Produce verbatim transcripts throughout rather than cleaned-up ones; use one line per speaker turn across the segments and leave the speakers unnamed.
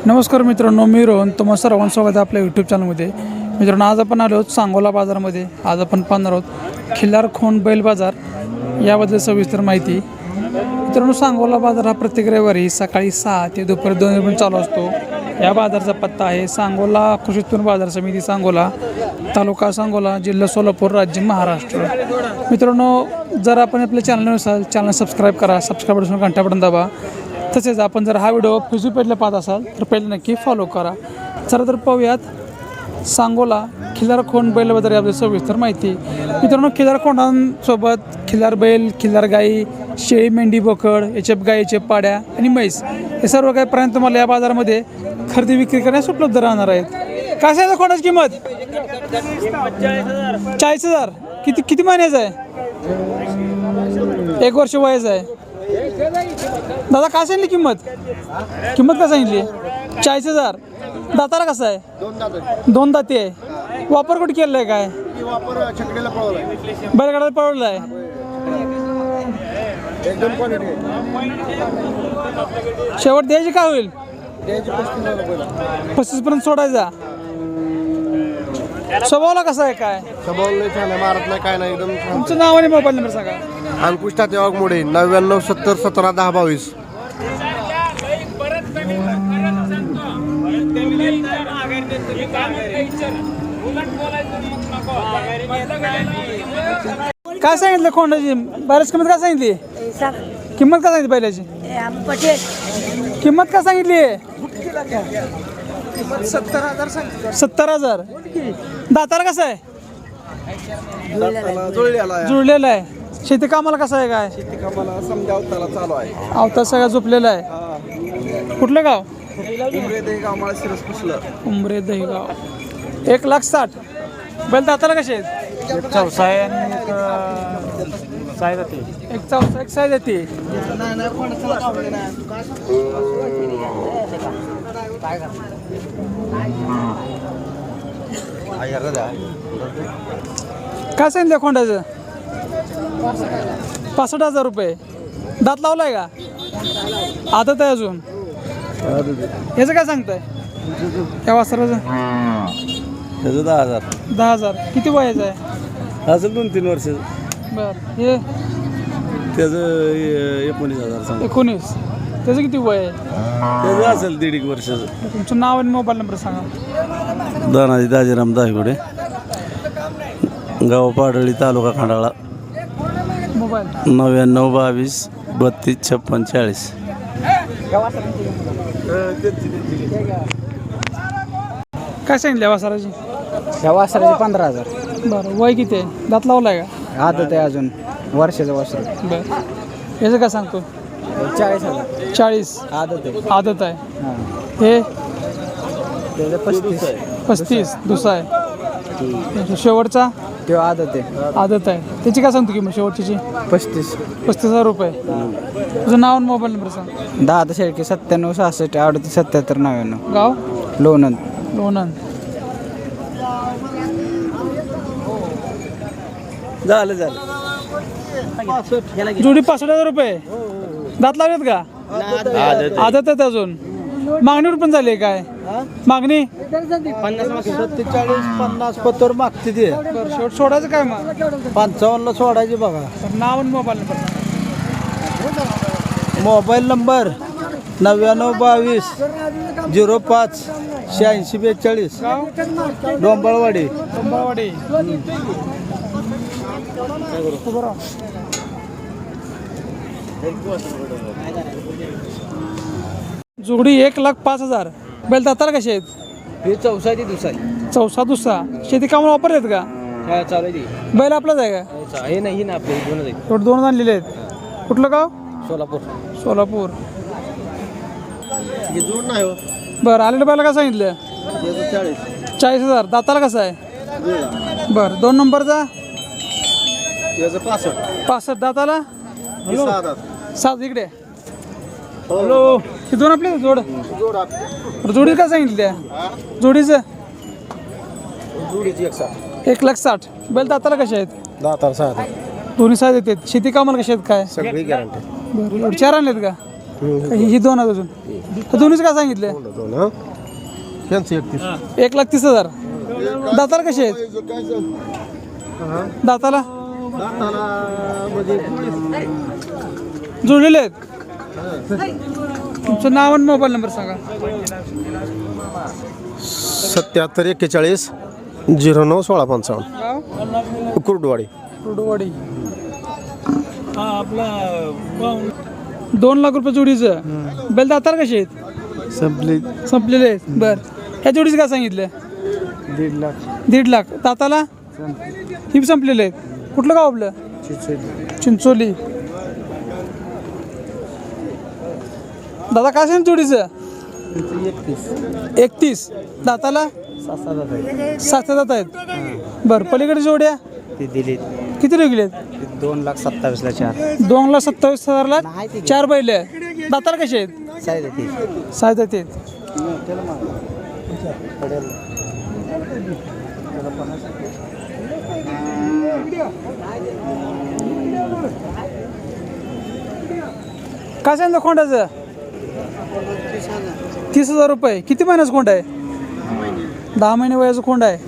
नमस्कार मित्रांनो, मी रोहन. तुम्हा सर्वांचं स्वागत आहे आपल्या यूट्यूब चॅनलमध्ये. मित्रांनो, आज आपण आलो आहोत सांगोला बाजारामध्ये. आज आपण पाहणार आहोत खिल्लार खोंड बैल बाजार याबद्दल सविस्तर माहिती. मित्रांनो, सांगोला बाजार हा प्रत्येक रविवारी सकाळी सहा ते दुपारी दोन वाजेपर्यंत चालू असतो. या बाजाराचा पत्ता आहे सांगोला कृषी उत्पन्न बाजार समिती, सांगोला, तालुका सांगोला, जिल्हा सोलापूर, राज्य महाराष्ट्र. मित्रांनो, जर आपण आपल्या चॅनल असाल, चॅनल सबस्क्राईब करा. सबस्क्राईब करून घंटा बटन दाबा. तसेच आपण जर हा व्हिडिओ फेसबुक पेजला पाहत असाल तर पहिले नक्की फॉलो करा. चला तर पाहूयात सांगोला खिल्लार खोंड बैलाबद्दल याबद्दल सविस्तर माहिती. मित्रांनो, खिल्लार खोंडांसोबत खिल्लार बैल, खिल्लार गाई, शेळी, मेंढी, बोकड, एचएफ गाई, एचएफ पाड्या आणि म्हैस हे सर्व काही प्राणी तुम्हाला या बाजारामध्ये खरेदी विक्री करण्यास उपलब्ध राहणार आहेत. काय सांगितलं खोंडाची किंमत? चाळीस हजार. किती किती महिन्याचं आहे? एक वर्ष वयाचं आहे. दादा काय सांगितली किंमत? किंमत काय सांगितली? चाळीस हजार. दाताला कसं आहे? दोन दाती आहे. वापर कुठे केलेला आहे? काय बैलगाड्याला पळवलं आहे? शेवट द्यायची काय होईल? पस्तीस पर्यंत सोडायचा. स्वभावला कसं आहे? काय
स्वभाव मारत नाही, काय नाही. एकदम
तुमचं नाव आणि मोबाईल नंबर सांगा.
अंकुश तात्या वाघमोडे, नव्याण्णव सत्तर सतरा दहा बावीस.
काय सांगितलं खोंडाची? बऱ्याच किंमत काय सांगितली? किंमत काय सांगितली बैलाची? किंमत काय सांगितली? सत्तर हजार. सत्तर हजार. दाताला कसं आहे? जुळलेला आहे. शेती कामाला कसं आहे? काय
शेती कामाला समजा अवताला चालू आहे.
अवतार सगळा झोपलेला आहे. कुठलं गाव? उमरे दहीगाव. एक लाख साठ. बैल दाताला कसे आहेत?
एक चौसा आहे आणि एक साय जाते.
एक चौसा, एक साय जाते. काय सांगितलं खोंडाचं? पासष्ट हजार रुपये. दात लावलाय का? आदत आहे अजून? ह्याचं काय सांगताय? त्या वासराचं
त्याचं दहा हजार.
दहा हजार. किती वयाचं आहे?
असं दोन तीन वर्ष.
बर. हे
त्याचं एकोणीस हजार सांग.
एकोणीस. त्याचं किती वय आहे?
त्याचं असेल दीड एक वर्षाचं.
तुमचं नाव आणि मोबाईल नंबर सांगा.
दानाजी दाजीराम दायगुडे, गाव पाडळी, तालुका खंडाळा.
मोबाईल
नव्याण्णव बावीस बत्तीस छप्पन चाळीस.
काय सांगितलं वासराची?
या वासराचे पंधरा हजार.
बरं. वय किती आहे? दात लावलाय का?
आदत आहे अजून वर्षाचं वासर.
बरं. याचं काय सांगतो?
चाळीस हजार.
चाळीस.
आदत आहे.
आदत आहे.
हां,
हे
त्याचं पस्तीस.
पस्तीस. दुसरा आहे. शेवटचा
तो आदत आहे.
आदत आहे. त्याची काय सांगतो किंमत शेवटची?
पस्तीस.
पस्तीस हजार रुपये. तुझं नाव आणि मोबाईल नंबर सांग.
दहा दहा शेळके सत्त्याण्णव सहासष्ट अडतीस सत्याहत्तर नव्याण्णव.
गाव
लोणंद.
लोणंद.
झालं झालं.
जोडी पासष्ट हजार रुपये. दात लावलेत का? आदत आहेत अजून. मागणीवर पण झाली आहे काय? मागणी
सत्तेचाळीस पन्नास पत्तर मागते ते.
बरं. शेवट सोडायचं काय मग?
पंचावन्नला सोडायचे बघा.
नाव आणि मोबाईल नंबर सांगा.
मोबाईल नंबर नव्याण्णव बावीस झिरो पाच शहाऐंशी बेचाळीस.
गाव
डोंबळवाडी.
कंबावाडी. उभं राहा. जोडी एक लाख पाच हजार. बैल दाताला कसे आहेत?
हे चौसाची दुसरा
चौसा दुसरा. शेती कामाला वापरलेत का?
चालू
बैल आपलाच आहे का?
हे नाही ना आपले दोन
थोडं दोन आणलेले आहेत. कुठलं गाव?
सोलापूर.
सोलापूर.
जोड नाही हो.
बरं. आलेलं बैला काय सांगितलं?
चाळीस.
चाळीस हजार. दाताला कसं आहे? बरं. दोन नंबरचा
त्याचं पासष्ट.
पासष्ट. दाताला
सहा दात.
सात. इकडे हॅलो. हे दोन आपले जोड.
जोड
जोडी काय सांगितली त्या जोडीचं?
जोडीची एक साठ.
एक लाख साठ. बैल दाताला कसे आहेत?
दहा तार सहा.
दोन्ही साईज येतात. शेती कामाला कसे आहेत? काय
सगळी गॅरंटी.
बरं. एवढे चार आणलेत का? ही ही दोन आहेत अजून तर दोन्हीच काय सांगितले
दोन हं? यांचं एकतीस
एक लाख तीस हजार दाताला कसे आहेत दाताला जुळलेले आहेत तुमचं नाव आणि मोबाईल नंबर सांगा
सत्याहत्तर एक्केचाळीस झिरो नऊ सोळा पंचावन्न
गाव
कुर्डवाडी
कुर्डवाडी दोन लाख रुपये जोडीचं बेल दाताला कसे आहेत
संपली
संपलेले आहेत बर ह्या जोडीचं काय सांगितलं
दीड लाख
दीड लाख दाताला ही संपलेले आहेत कुठलं गाव आपलं चिंचोली दादा काय सांग जोडीचं एकतीस दाताला सात दात आहेत बरं पलीकडे जोड्या
ते दिली
किती रेगलेत
दोन लाख सत्तावीसला चार
दोन लाख सत्तावीस हजारला चार बैल आहे दाताला कसे आहेत
साहेब ते
सात दात आहेत काय सांगितलं खोंडाचं तीस हजार रुपये किती महिन्याचं खोंड आहे दहा महिने वयाचं खोंड आहे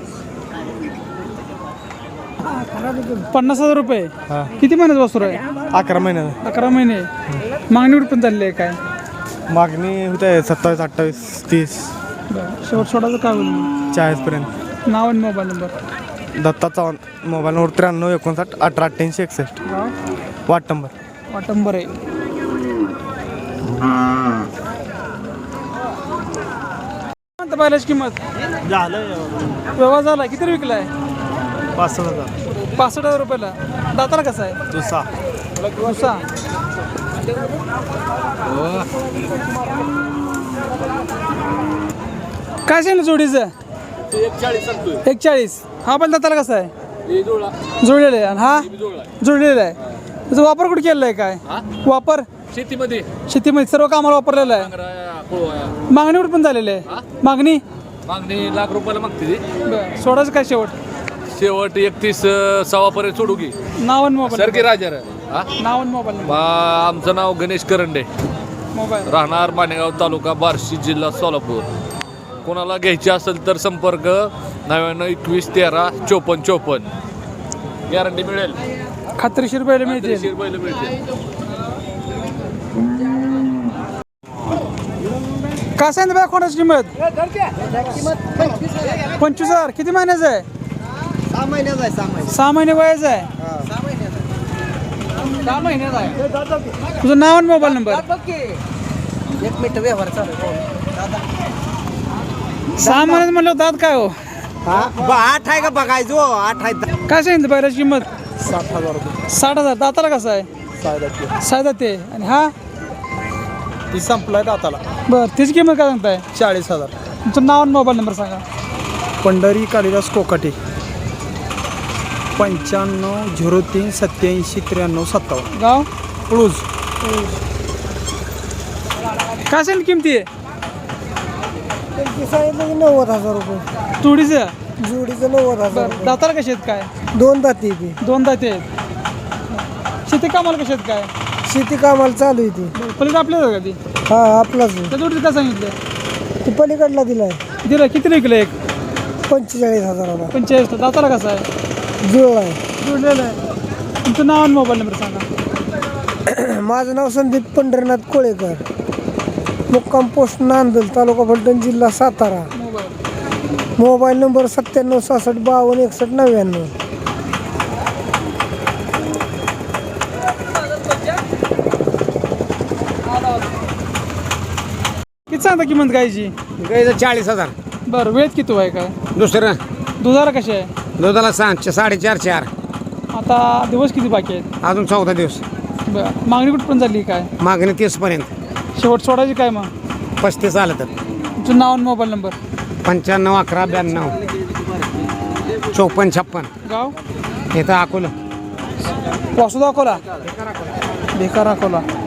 पन्नास हजार रुपये किती महिन्याचं वस्तू आहे
अकरा महिन्याला
अकरा महिने मागणीवर पण चालली आहे काय
मागणी होते सत्तावीस अठ्ठावीस तीस
शेवट सोडायचं काय होईल
चाळीसपर्यंत.
नाव आणि mobile number
Datta Chavan mobile number त्र्याण्णव एकोणसाठ अठरा अठ्ठ्याऐंशी एकसष्ट वाट नंबर
वाटंबर आहे पाहिल्याची किंमत
झालं
व्यवहार झाला किती विकलाय
पाच सहा हजार
पासष्ट हजार रुपयाला दाताला कसा आहे
दुसरा
दुसरा काय सांगितलं जोडीचं एक चाळीस हा पण दाताला कसा आहे जोडलेला आहे आणि हा जोडलेला आहे त्याचा वापर कुठे केलेला आहे काय वापर
शेतीमध्ये
शेतीमध्ये सर्व कामाला वापरलेला आहे मागणीवर पण झालेली आहे मागणी
मागणी लाख रुपयाला मागते ती.
बरं सोडायचं काय शेवट
शेवट एकतीस सव्वा पर्यंत सोडू की
नाव आणि मोबाईल
सरकी राजा रे. हा?
नाव आणि मोबाईल नंबर
बा- आमचं नाव गणेश करंडे
मोबाईल
राहणार मानेगाव तालुका बार्शी जिल्हा सोलापूर. कोणाला घ्यायची असेल तर संपर्क नव्याण्णव एकवीस तेरा चोपन्न चोपन्न गॅरंटी मिळेल
खात्रीशीर बैल मिळतील
खात्रीशीर बैल मिळतील.
काय सांगितलं बाय कोणाची किंमत पंचवीस हजार किती महिन्याचं आहे
सहा महिन्याचा आहे सहा महिने
सहा महिने वयाचं आहे
सहा महिन्याचा आहे
तुझं नाव आणि मोबाईल नंबर
एक मिनिट व्यवहार चालू
सहा महिन्यात म्हणलं दात काय हो
आठ आहे का बघायचो आठ आहे
काय सांगितलं बैलाची किंमत
साठ हजार रुपये
साठ हजार दाताला कसं आहे
साडेदहा
सायदा ते आणि हा
ती संपलाय दाताला
बरं त्याची किंमत काय सांगताय
चाळीस हजार
तुमचं नाव आणि मोबाईल नंबर सांगा
पंढरी कालिदास कोकाटे पंच्याण्णव झिरो तीन सत्याऐंशी त्र्याण्णव सत्तावन्न
गाव
क्लूज
काय सांगितलं किमती आहे
सांगितलं की नव्वद हजार रुपये
तुडीचं
जोडीचं नव्वद हजार
बरं दाताला कसे आहेत काय
रुपये दोन दाती ती
दोन दाते आहेत शेती कामाला कसे आहेत काय
शेती कामाला चालू आहे ती
बरं पलीकडे आपल्याला का ती
हा आपलाच आहे.
त्या जोडीचं काय सांगितलं
ती पलीकडला दिलाय
दिलं किती विकलं एक
पंचेचाळीस हजाराला
पंचेचाळीस दाताला कसं आहे
जुळ आहे
जोडलेलं आहे तुमचं नाव आणि मोबाईल नंबर सांगा
माझं नाव संदीप पंढरीनाथ कोळेकर मुक्काम पोस्ट नांदल तालुका फलटण जिल्हा सातारा
मोबाईल
मोबाईल नंबर सत्त्याण्णव सहासष्ट बावन्न एकसष्ट नव्याण्णव
किती सांगता किंमत गायची
गाईचं चाळीस हजार
बरं वेळ किती आहे काय
दुसरं
दुधाला कसे आहे
दुधाला सहा साडेचार चार
आता दिवस किती बाकी आहेत
अजून चौदा दिवस
बरं मागणी कुठं पण झाली काय
मागणी तीसपर्यंत
शेवट सोडायची काय मग
पस्तीस आलं तर
तुमचं नाव आणि मोबाईल नंबर
पंच्याण्णव अकरा ब्याण्णव चौपन्न छप्पन
गाव
इथं अकोला
वासुदा अकोला बेकार अकोला